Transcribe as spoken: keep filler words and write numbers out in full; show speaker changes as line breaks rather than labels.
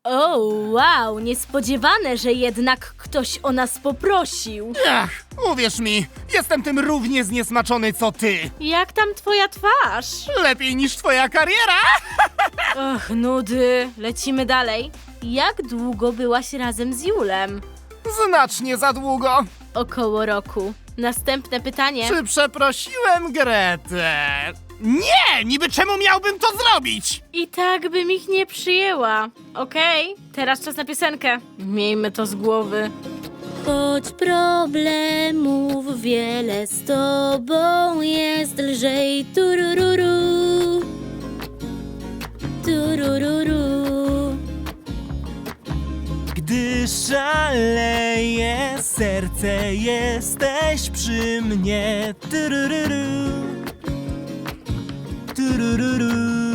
O, wow, niespodziewane, że jednak ktoś o nas poprosił.
Ach, uwierz mi, jestem tym równie zniesmaczony co ty.
Jak tam twoja twarz?
Lepiej niż twoja kariera.
Och, nudy. Lecimy dalej. Jak długo byłaś razem z Julem?
Znacznie za długo.
Około roku. Następne pytanie.
Czy przeprosiłem Gretę? Nie! Niby czemu miałbym to zrobić?
I tak bym ich nie przyjęła. Okej, teraz czas na piosenkę. Miejmy to z głowy. Choć problemów wiele, z tobą jest lżej. Turururu. Turururu.
Gdy szaleje serce, jesteś przy mnie. Turururu. Turururu.